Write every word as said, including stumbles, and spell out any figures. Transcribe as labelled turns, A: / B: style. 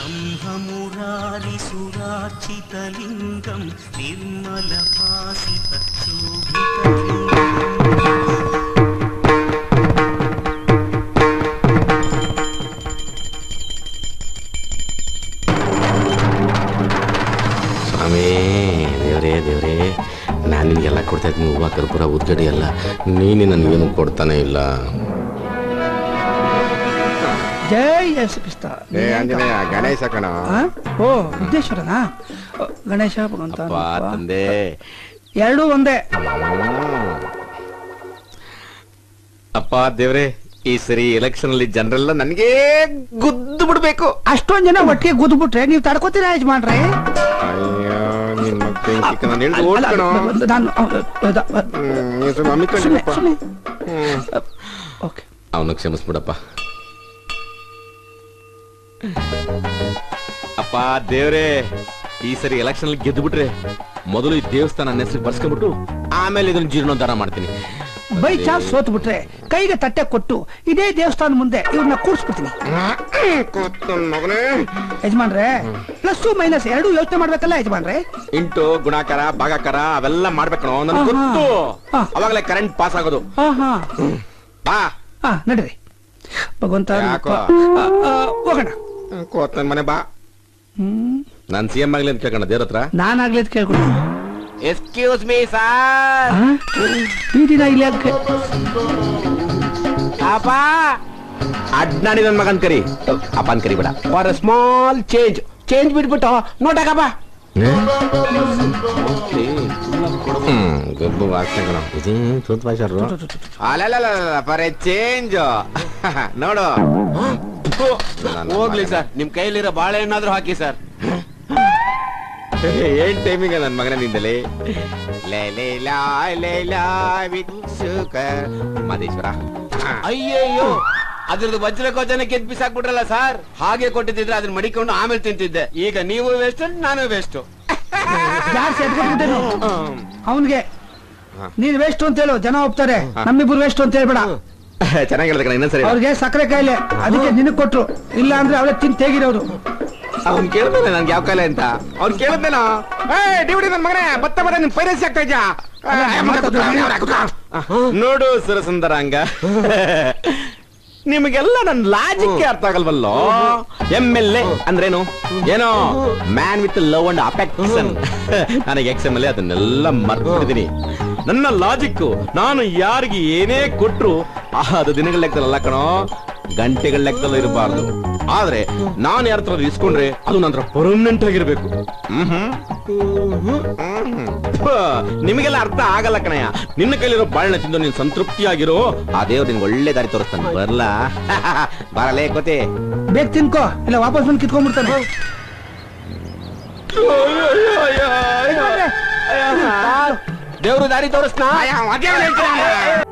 A: ब्रह्ममुरारिसुरार्चितलिङ्गं निर्मलभासितशोभितलिङ्गम्
B: ಸ್ವಾಮಿ ದೇವ್ರೇ ದೇವ್ರೇ ನಾನು ನಿನಗೆಲ್ಲ ಕೊಡ್ತಾ ಇದ್ದೀನಿ, ಹೂವು ಕರ್ಪೂರ ಉದ್ಗಡಿ ಎಲ್ಲ. ನೀನು ನನಗೇನು ಕೊಡ್ತಾನೆ ಇಲ್ಲ.
C: ಜೈ ಯೇಸು ಕ್ರಿಸ್ತ.
B: ಆಂಜನೇಯ ಗಣೇಶ ಕಣ.
C: ಓ ವಿಘ್ನೇಶ್ವರನಾ? ಗಣೇಶ ಭಗವಂತ
B: ತಂದೆ
C: ಎರಡೂ ಒಂದೇ.
B: ಅಪ್ಪ ದೇವ್ರೆ, ಈ ಸರಿ ಎಲೆಕ್ಷನ್ ಅಲ್ಲಿ ಜನರೆಲ್ಲ ನನಗೆ ಗುದ್ದು ಬಿಡ್ಬೇಕು.
C: ಅಷ್ಟೊಂದ್ ಜನ ಒಟ್ಟಿಗೆ ಗುದ್ದು ಬಿಟ್ರೆ ನೀವು ತಡ್ಕೋತೀರಾ ಯಜಮಾನ್ರೆ?
B: ಅವನು ಕ್ಷಮಿಸ್ಬಿಡಪ್ಪ. ಅಪ್ಪ ದೇವ್ರೆ, ಈ ಸರಿ ಎಲೆಕ್ಷನ್ ಅಲ್ಲಿ ಗೆದ್ದು ಬಿಟ್ರೆ ಮೊದಲು ಈ ದೇವಸ್ಥಾನ ನನ್ನ ಹೆಸರು ಬರ್ಸ್ಕೊಂಡ್ಬಿಟ್ಟು ಆಮೇಲೆ ಇದನ್ನ ಜೀರ್ಣೋದ್ಧಾರ ಮಾಡ್ತೀನಿ.
C: ಬೈ ಚಾನ್ಸ್ ಸೋತ್ ಬಿಟ್ರೆ ಕೈಗೆ ತಟ್ಟೆ ಕೊಟ್ಟು ಇದೇ ದೇವಸ್ಥಾನ ಮುಂದೆ ಇವ್ರನ್ನ ಕೂರ್ಸ್ಬಿಡ್ತೀನಿ. ಯಜಮಾನ್ರೆ, ಪ್ಲಸ್ ಮೈನಸ್ ಎರಡು ಯೋಚನೆ ಮಾಡ್ಬೇಕಲ್ಲ ಯಜಮಾನ್ರೆ?
B: ಇಂಟು ಗುಣಾಕಾರ ಭಾಗಾಕಾರ ಅವೆಲ್ಲ ಮಾಡ್ಬೇಕಣೋ, ನನ್ ಗೊತ್ತು. ಅವಾಗಲೇ ಕರೆಂಟ್ ಪಾಸ್ ಆಗೋದು. ಬಾ
C: ಹಾ ನಡ್ರಿ ಭಗವಂತ ಹೋಗೋಣ.
B: ಕೋತ್ ಮನೆ ಬಾ.
C: ಹ್ಮ್
B: ನಾನ್ ಸಿ ಎಂ ಆಗ್ಲಿ ಅಂತ ಕೇಳ್ಕೊಂಡ ದೇವ್ರ ಹತ್ರ.
C: ನಾನ್ ಆಗ್ಲಿ ಅಂತ ಕೇಳ್ಕೊಂಡು.
B: Excuse me sir.
C: ಈ ದಿನ ಇಲ್ಲಿ
B: ಅಪ್ಪ ಅಡ್ನಾಡಿ ನನ್ ಮಗನ್ ಕರಿ. ಅಪ್ಪನ್ ಕರಿ ಬೇಡ. For a small change change ಬಿಟ್ಬಿಟ್ಟು ನೋಡಕಪ್ಪ. ಫಾರ್ ಎ ಚೇಂಜ್ ನೋಡು.
D: ಹೋಗ್ಲಿ ಸರ್, ನಿಮ್ ಕೈಲಿರೋ ಬಾಳೆಹಣ್ಣಾದ್ರೂ ಹಾಕಿ ಸರ್.
B: ಏನ್ ಟೈಮಿಂಗ್ ನನ್ ಮಗನ ನಿಂದಲೇ. ಮಾದೇಶ್ವರ,
D: ಅಯ್ಯಯ್ಯೋ, ಅದ್ರದ್ದು ವಜ್ರ ಕೋಚನ ಕೆದ್ ಬಿಸಾಕ್ಬಿಟ್ರಲ್ಲ ಸರ್. ಹಾಗೆ ಕೊಟ್ಟಿದ್ರೆ ಅದನ್ನ ಮಡಿಕೊಂಡು ಆಮೇಲೆ ತಿಂತಿದ್ದೆ. ಈಗ ನೀವು ವೇಸ್ಟ್, ನಾನು ವೇಸ್ಟ್.
C: ಅವನ್ಗೆ ನೀನ್ ವೇಸ್ಟ್ ಅಂತ ಹೇಳು, ಜನ ಹೋಗ್ತಾರೆ. ನಮ್ಮಿಬ್ರು ವೇಸ್ಟ್ ಅಂತ ಹೇಳ್ಬೇಡ.
B: ಚೆನ್ನಾಗಿ ಹೇಳ್ದ ಕಣ. ಇನ್ನೊಂದ್ಸರಿ
C: ಅವ್ರಿಗೆ ಸಕ್ಕರೆ ಕಾಯಿಲೆ, ಅದಕ್ಕೆ ನಿನಗ್ ಕೊಟ್ರು. ಇಲ್ಲ ಅಂದ್ರೆ ಅವಳೇ ತಿನ್ ತೆಗಿರೋರು.
B: ಅವ್ನ್ ಕೇಳ್ತಾನೆ ನನ್ಗೆ ಯಾವ ಕಾಯಿಲೆ ಅಂತ. ಅವ್ನ್ ಕೇಳಿದ್ನೇನೋ, ಡಿವಿಡಿ ನನ್ ಮಗನೇ ಬತ್ತ ಬರ ನಿನ್ ಪೈರಸಿ ಆಗ್ತಾ ಇದ್ಯಾ ನೋಡು ಸುರಸುಂದರಾಂಗ. ನಿಮಗೆಲ್ಲ ನನ್ ಲಾಜಿಕ್ ಅರ್ಥ ಆಗಲ್ವಲ್ಲೋ. ಎಂ ಎಲ್ ಎ ಅಂದ್ರೇನು? ಏನೋ man with love and affection. ನನಗೆ ಎಕ್ಸ್ ಎಂ ಎಲ್ ಎ ಅದನ್ನೆಲ್ಲ ಮರ್ತಿದ್ದೀನಿ. ನನ್ನ ಲಾಜಿಕ್ ನಾನು ಯಾರಿಗೆ ಏನೇ ಕೊಟ್ರು ಅದು ದಿನಗಳ ಲೆಕ್ಕದಲ್ಲ ಕಣೋ, ಗಂಟೆಗಳ ಲೆಕ್ಕದಲ್ಲ ಇರಬಾರ್ದು. ಆದ್ರೆ ನಾನು ಯಾರ ಹತ್ರ ಇಸ್ಕೊಂಡ್ರೆ ಅದು ನಂತರ ಪರ್ಮನೆಂಟ್ ಆಗಿರ್ಬೇಕು. ನಿಮಗೆಲ್ಲ ಅರ್ಥ ಆಗಲ್ಲ ಕಣಯ್ಯ. ನಿನ್ನ ಕೈಲಿರೋ ಬಾಳೆಹಣ್ಣು ತಿಂದು ನೀನ್ ಸಂತೃಪ್ತಿಯಾಗಿರೋ, ಆ ದೇವ್ರು ನಿನ್ಗೆ ಒಳ್ಳೆ ದಾರಿ ತೋರಿಸ್ತಾನೆ. ಬರ್ಲಾ? ಬರಲೇ ಕೋತಿ.
C: ಬೇಗ ತಿನ್ಕೋ, ಇಲ್ಲ ವಾಪಸ್ ಬಂದು ಕಿತ್ಕೊಂಡ್ಬಿಡ್ತಾನೆ.
D: ದೇವ್ರು ದಾರಿ ತೋರಿಸ್ನಾ?